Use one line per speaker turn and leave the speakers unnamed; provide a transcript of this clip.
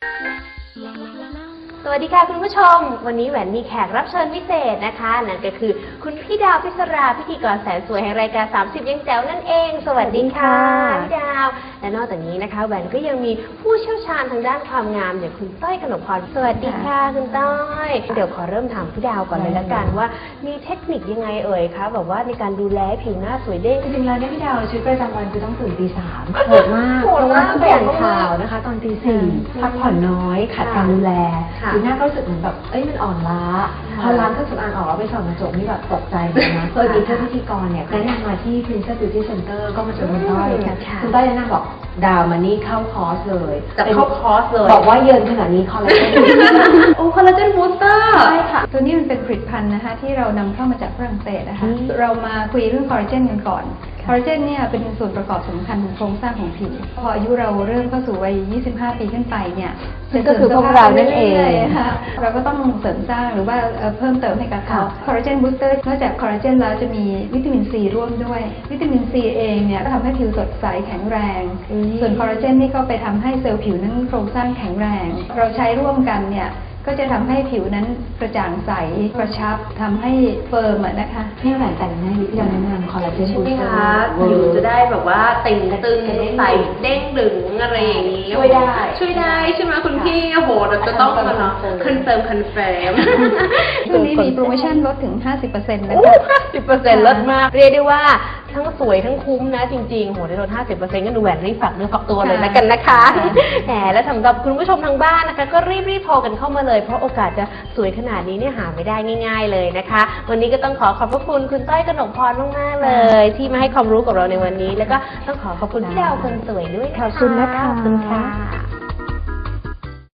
สวัสดีค่ะคุณผู้ชมวันนี้แหวนมีแขกรับเชิญพิเศษนะคะนั่นก็คือคุณพี่ดาวพิศราพิธีกรแสนสวยแห่งรายการ30ยังแจ๋วนั่นเองสวัสดีค่ะพี่ดาวและนอกจากนี้นะคะแหวนก็ยังมีผู้เชี่ยวชาญทางด้านความงามอย่างคุณต้อยกนกพรสวัสดีค่ะคุณต้อยเดี๋ยวขอเริ่มถามพี่ดาวก่อนเลยละกันว่ามีเทคนิคยังไงเอ่ยคะแบบว่าในการดูแลผิวหน้าสวยเด้ง
จริงๆแล้วเนี่ยพี่ดาวชีวิตประจำวันคือต้องตื่นตี 3โหดมากเพราะว่าต้องไปอ่านข่าวนะคะตอนตี 4พักผ่อนน้อยขาดการดูแลผิวหน้าก็รู้สึกเหมือนแบบมันอ่อนล้าพอล้างเครื่องสำอางออกแล้วไปส่องกระจกนี่แบบตกใจเลยนะเคยมีเพื่อนพิธีกรเนี่ยแนะนำมาที่ Princess Beauty Center ก็มาเจอคุณต้อยคุณต้อยแนะนำบอกดาวมานี่เข้าคอร์สเลย
จะเข้าคอร์สเลย
บอกว่าเยินขนาดนี้คอลลาเจน
โอ้คอลลาเจนบูสเตอร์
ใช่ค่ะตัวนี้มันเป็นผลิตภัณฑ์นะคะที่เรานำเข้ามาจากฝรั่งเศสนะคะเรามาคุยเรื่องคอลลาเจนกันก่อนคอลลาเจนเนี่ยเป็นส่วนประกอบสำคัญของโครงสร้างของผิวพออายุเราเริ่มเข้าสู่วัย25 ปีขึ้นไปเนี่ย
ก็คือพวกเรานั่นเอง
ค่ะเราก็ต้องเสริมสร้างหรือว่าเพิ่มเติมให้กับเขาคอลลาเจนบูสเตอร์นอกจากคอลลาเจนแล้วจะมีวิตามินซีร่วมด้วยวิตามินซีเองเนี่ยก็ทำให้ผิวสดใสแข็งแรงส่วนคอลลาเจนนี่ก็ไปทำให้เซลล์ผิวนั้นโครงสร้างแข็งแรงเราใช้ร่วมกันเนี่ยก็จะทำให้ผิวนั้นกระจ่างใสกระชับทำให้เฟิร์มนะคะ
พี่แหวนแต่งหน้าที่เราแนะนำคอลลาเจนบูสเตอร์
ผิวจะได้แบบว่าติ่งตึงใสเด้งดึงอะไรอย่างนี้
ช่วยได้
ใช่ไหมคุณพี่โอ้โหเราจะต้องมาเนาะคอนเฟิร์ม
ช่วงนี้มีโปรโมชั่นลดถึง 50% นะคะ
50% ลดมากเรียกได้ว่าทั้งสวยทั้งคุ้มนะจริงๆโหได้ลด 50% ก็ดูแหวนรีบฝากเนื้อฝากตัวเลยแล้วกันนะคะแหมและสำหรับคุณผู้ชมทางบ้านนะคะก็รีบโทรกันเข้ามาเลยเพราะโอกาสจะสวยขนาดนี้เนี่ยหาไม่ได้ง่ายๆเลยนะคะวันนี้ก็ต้องขอบพระคุณคุณต้อยกนกพรมากๆเลยที่มาให้ความรู้กับเราในวันนี้แล้วก็ต้องขอบคุณพี่ดาวคนสวยด้วย
ขอบคุณนะคะ
ขอบคุณค่ะ